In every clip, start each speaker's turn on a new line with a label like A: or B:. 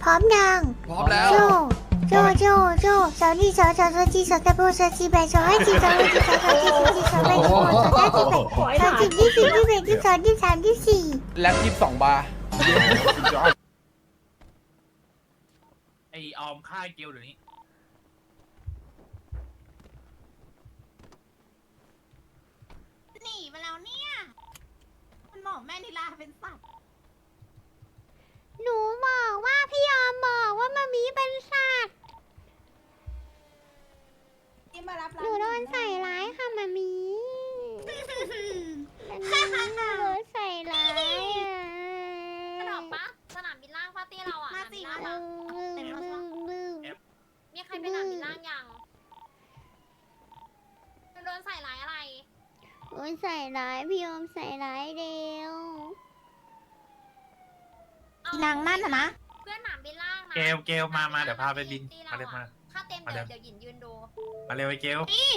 A: ร้อมยัง
B: พร้อมแล้ว
A: โจโจสาวนี่สาวจีสาวตะโบสาวจีแบสาวให้จีสาวให้จีสาวจีสาวจีสาวแบสาวสาวจีแบสาวจีที่สี่ที่แบที่สองที่สามที่สี่
B: แล็บ22 บาร์
C: ไอออมฆ่าเกลเดี๋ยวนี้
D: หนีมาแล้วเนี่ย มันบอกแม่นิลาเป็นสัตว์
A: หนูบอกว่าพี่ยอมบอกว่ามามีเป็นสัตว์
D: ที่มารับ
A: หนูโดนใส่ร้ายค่ะมามีมันโดนใส่ร้ายอ่ะ
E: กระดอกปะสนามบินล่างปาร์ตี้เราอ่ะ
D: มาสิ
E: สนาม
D: มา
E: บินล่าง
D: สิ
E: มีใครไปสนามบินล่างยังโดนใส่ร้ายอะไร
A: โดนใส่ร้ายพี่ยอมใส่ร้ายเดียว
E: เอา
D: นางนั่นนะ
E: เพื่อนสนามบินล่างนะ
C: เกลมาเดี๋ยวพาไปบิน
E: ตี
C: มาเร็วมา
E: ค่าเต็มเดี๋ยวหยินยืนดู
C: มาเร็วไอเกล
D: นี่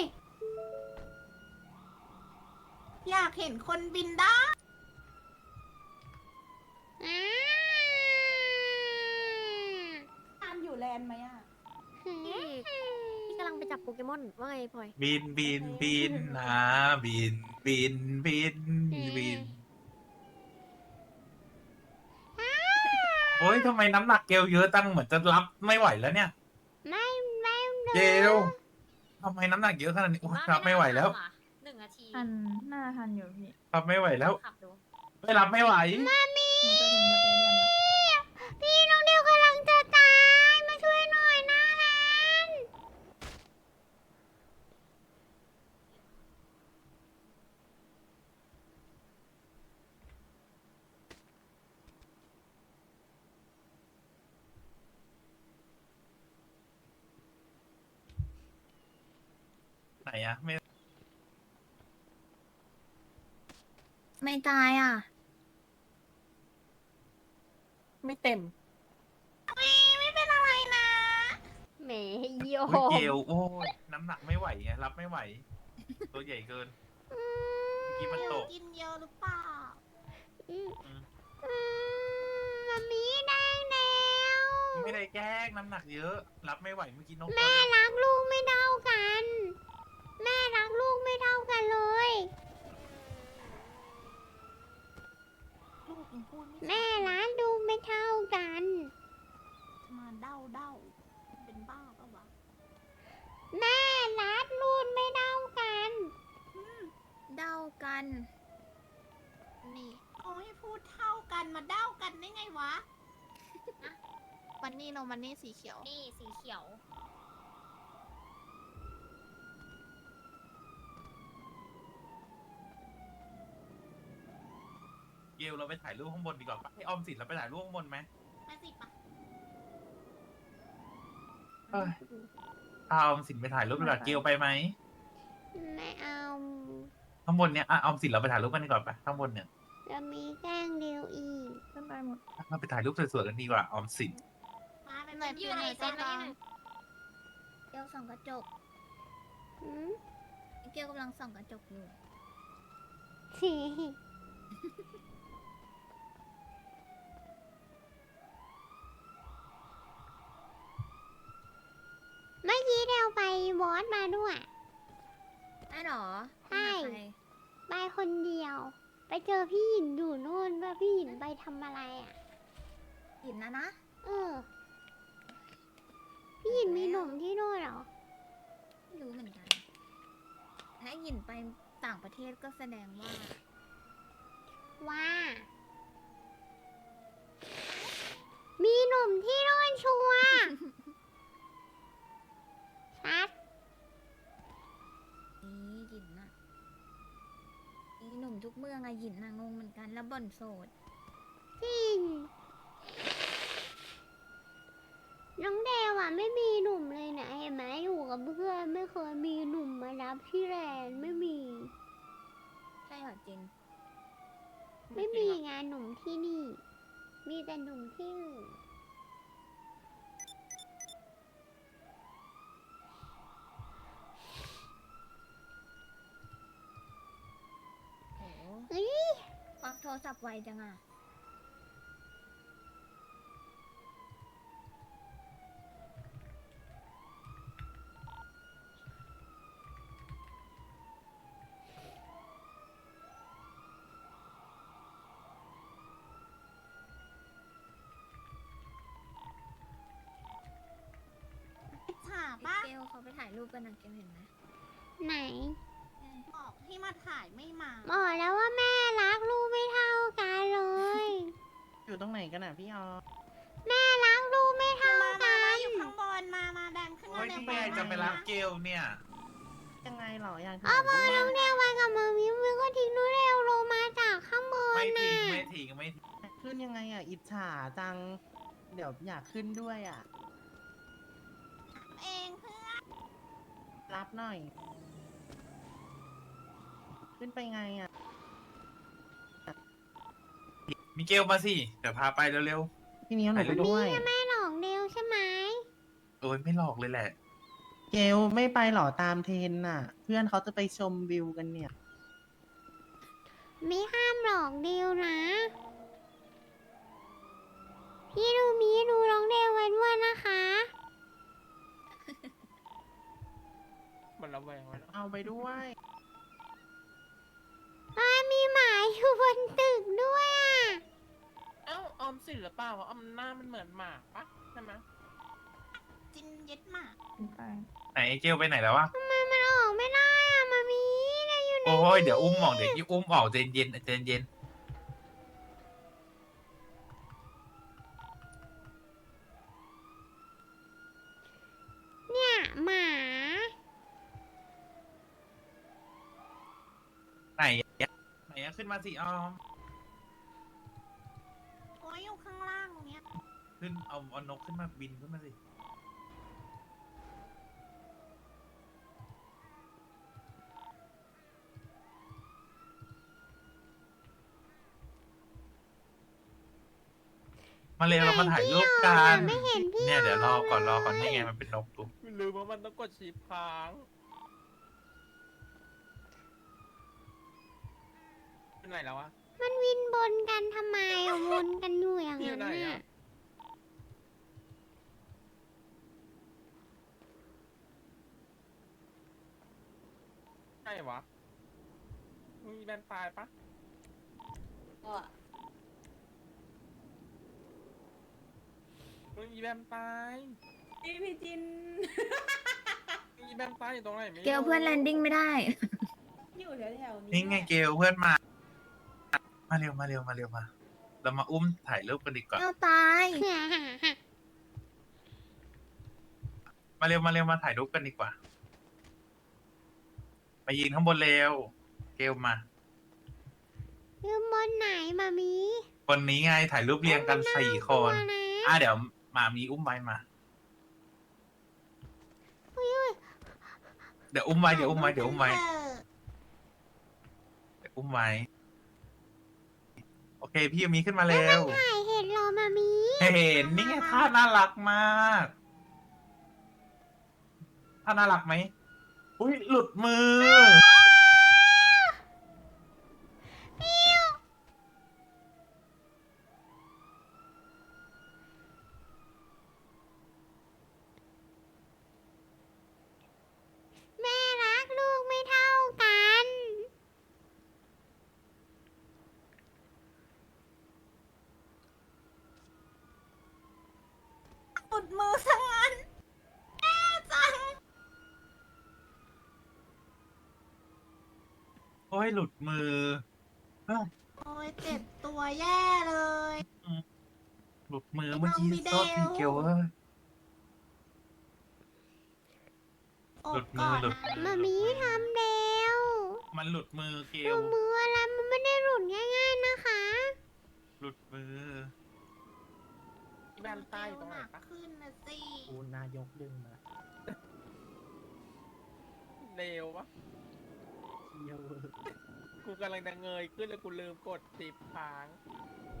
D: อยากเห็นคนบินได้
A: อ่า
D: ตามอยู่แลนด์ไหมอ่ะ
E: พี่กำลังไปจับโปเกมอนว่าไงพลอย
C: บินนะบินโอ้ยทำไมน้ำหนักเกลเยอะตั้งเหมือนจะรับไม่ไหวแล้วเนี่ย
A: ไม่
C: เกลทำไมน้ำหนักเยอะขนาดนี้โอ้ยรับไม่ไหวแล้ว
E: 1 นาที
F: ทันหน้าทันอยู่พี่
C: รับไม่ไหวแล้ว
E: ขับดู
C: ไม่รับไม่ไหว
A: มามี
F: หนูจะถึงสเตเดียมแล้ว
A: พี่น้องเดียวกำลังจะตายมาช่วยหน่อยนะแลน
C: ไหนอะไม่
F: ไม่ตายอ่ะ
G: ไม่เต็ม
D: ไม่เป็นอะไรนะ
A: แหมโย
C: โอ้ยเกลโอ้ยน้ำหนักไม่ไหวไงรับไม่ไหว ตัวใหญ่เกินเมื่อกี้มันตก
D: กินเยอะหรือเปล่า
A: มามีได้แล้ว
C: ไม่ได้แกล้งน้ำหนักเยอะ รับไม่ไหวเมื่อกี้น้อง
A: แม่รักลูกไม่เท่ากัน แม่รักลูกไม่เท่ากันเลย
D: ลูกยังพูดไม่
A: แม่รักลูกไม่เท่ากัน
D: มาเด้าเป็นบ้าปะวะ
A: แม่รักลูกไม่เท่ากัน
F: เดากัน นี่
D: เขาให้พูดเท่ากันมาเด้ากันได้ไงวะ
G: มันนี่โนมันนี่สีเขียว
E: นี่สีเขียว
C: เกลเราไปถ่ายรูปข้างบนดีกว่าปะให้ออมสินเราไปถ่ายรูปข้างบนไหม
D: มาสิปะ
C: เอ้ยเอาออมสินไปถ่ายรูปดีกว่าเกลไปไหม
A: ไม่เอา
C: ข้างบนเนี้ยอ่ะออมสินเราไปถ่ายรูปกันดีกว่าปะข้างบนเนี่ย
A: จะมีแกล้งเดียวอีก
F: ขึ้นไปหมด
C: เราไปถ่ายรูปสวยๆกันดีกว่าออมสิน
D: มาเป็น
G: ไหน
E: อยู่ในเซตแล้วนี่หนึ่ง
F: เกลส่องกระจก
A: หืม
F: เกลกำลังส่องกระจกอยู่
A: เมื่อกี้เดวไปบอสมาด้วย
F: ได้หรอ
A: ใช่
F: ไปหาใคร
A: ไปคนเดียว ไปเจอพี่หยินอยู่นู่นว่าพี่หยินไปทำอะไรอ่ะ
F: หินนะ
A: เออ พี่หยินมีหนุ่มที่นู่นเหรอ
F: ไม่รู้เหมือนกัน ถ้าหินไปต่างประเทศก็แสดงว่า
A: ว่า มีหนุ่มที่นู่นชัวร์ชัด
F: นี่หยินน่ะอีหนุ่มทุกเมืองอะหยินน่ะงงเหมือนกันแล้วบ่นโสด
A: จริง น้องเดวอ่ะไม่มีหนุ่มเลยนะเห็นไหมอยู่กับเพื่อนไม่เคยมีหนุ่มมารับที่แลนด์ไม่มี
F: ใช่เหรอจิน
A: ไม่มีงานหนุ่มที่นี่ มีแต่หนุ่มที่อื่น
F: โห
A: เฮ้ย
F: ควักโทรศัพท์ไวจังอะเขาไปถ่ายรูปกันนะเกลเห็นไหม
A: ไหน
D: บอกให้มาถ่ายไม่มา
A: บอกแล้วว่าแม่รักลูกไม่เท่ากันเลย
B: อยู่ตรงไหนกันอ่ะพี่ออ
A: แม่รักลูกไม่เท่า
D: มา
A: กั
D: มาน อยู่ข้างบนมาแดงขึ้น
C: โอ้
D: มาย เร็ว
C: นี่ไงจะไปรับเกลเนี่ย
B: ยังไงเหรออยาก
A: เอา
B: ถ่าย
A: พอ
B: ด้วย
A: น้องเดียวไปกับมามิวก็ทิ้งนูเร็วลงมาจากข้างบน
C: ไม่
A: น่ะ
C: ทิ้งไม่ทิ้งไม่ทิ้ง
B: ขึ้นยังไงอ่ะอิจฉาจัง เดี๋ยวอยากขึ้นด้วยอ่ะ
D: เองเพื่อน
B: รับหน่อย ขึ้นไปไงอ่ะ
C: มีเกลมาสิเดี๋ยวพาไปเร็ว
B: พี่นิ้วหนูไปด้วย
A: แม่หลอกเดียวใช่ไหม
C: ๆโอ้ยไม่หลอกเลยแหละ
B: เกลไม่ไปหรอตามเทรนน่ะ เพื่อนเขาจะไปชมวิวกันเนี่ย
A: ไม่ห้ามหลอกเดียวนะ พี่ดูมีดูน้องเดียวไว้ด้วยนะคะ
H: มันระแวงไว้แล้ว
B: เอาไปด้วย
A: มีหมาอยู่บนตึกด้วยอ่ะ
H: เอ้าออมสินหรือเปล่าวะออมหน้ามันเหมือนหมากปะใช่ไหม
D: จินเย็ดหมาก
C: ไหนเกลไปไหนแล้ววะ
A: ทำไมมันออกไม่ได้อ่ะมามีได้อยู่ใน
C: โอ้ยเดี๋ยวอุ้มออกเดี๋ยวอุ้มออกเจนเย็นเจนเย็น
A: เนี่ยหมา
C: ไหนไหนขึ้นมาสิออม
D: โอ้ยอยู่ข้างล่างเนี้ย
C: ขึ้นเอานกขึ้นมาบินขึ้นมาสิมาเร็วเรามาถ่ายรูปกัน
A: ไม่เห็นพี่
C: เนี่ยเดี๋ยวรอก่อนนี่ไงมันเป็นนกดู
H: ลืมว่ามันต้องกดชีพค้างเป็นไหนแล้ววะ
A: มันวินบนกันทำไมอะวนกันอยู่อย่าง
H: พี่อยู่
A: นั้น
H: ไหน
A: น่ะ
H: อะ ใช่วะมึงมีแบนตายปะมึงมีแบนตายพี่จินมีแบนตายอยู่ตรงไหนไม่รู้
F: เกลเพื่อนแลนดิ้งไม่ได้
C: นี่ไงเกลเพื่อนมา มาเร็วมาเรามาอุ้มถ่ายรูปกันดีกว่า
F: เกลตาย
C: มาเร็วมาถ่ายรูปกันดีกว่ามายืนข้างบนเร็วเกลมา
A: ยืมบนไหนมามี
C: คนนี้ไงถ่ายรูปเรียงกัน4 คน
A: ตัวนะ
C: เดี๋ยวมามีอุ้มไว้มา เดี๋ยวอุ้มไว้
D: เออ
C: เดี๋ยวอุ้มไว้ โอเค พี่ยูมีขึ้นมาเร็ว
A: ถ่ายเห็นเหรอมามี
C: เห็นนี่ไงท่าน่ารักมากท่าน่ารักไหมอุ้ยหลุดมือ
A: แม่รักลูกไม่เท่ากัน
D: ปุดมือซะงั้นแย่จัง
C: โอ้ยหลุดมือ
D: โอ้ยเจ็บตัวแย่เลย
C: หลุดมือเมื่อกี้
D: น้องบิเดล
C: โทษทีเกลเอ้ย
D: โอ้
C: หลุดมื
D: ก่
C: อ
D: อน
C: หลุด
D: นะ
A: มามีทำเดียว
C: มันหลุดมือเก
A: หนู
C: ล
A: มืออะไรมันไม่ได้หลุดง่ายๆนะคะ
C: หลุดมือ
H: มีแบนตายอยู่ตรงไหน
D: หนัก
H: ปะ
D: ขึ้นนะสิ
B: กูนายกดึงมา
H: เลวปะ
B: เที่ยว
H: กูกำลังจะเงยขึ้นแล้วกูลืมกดชีพค้าง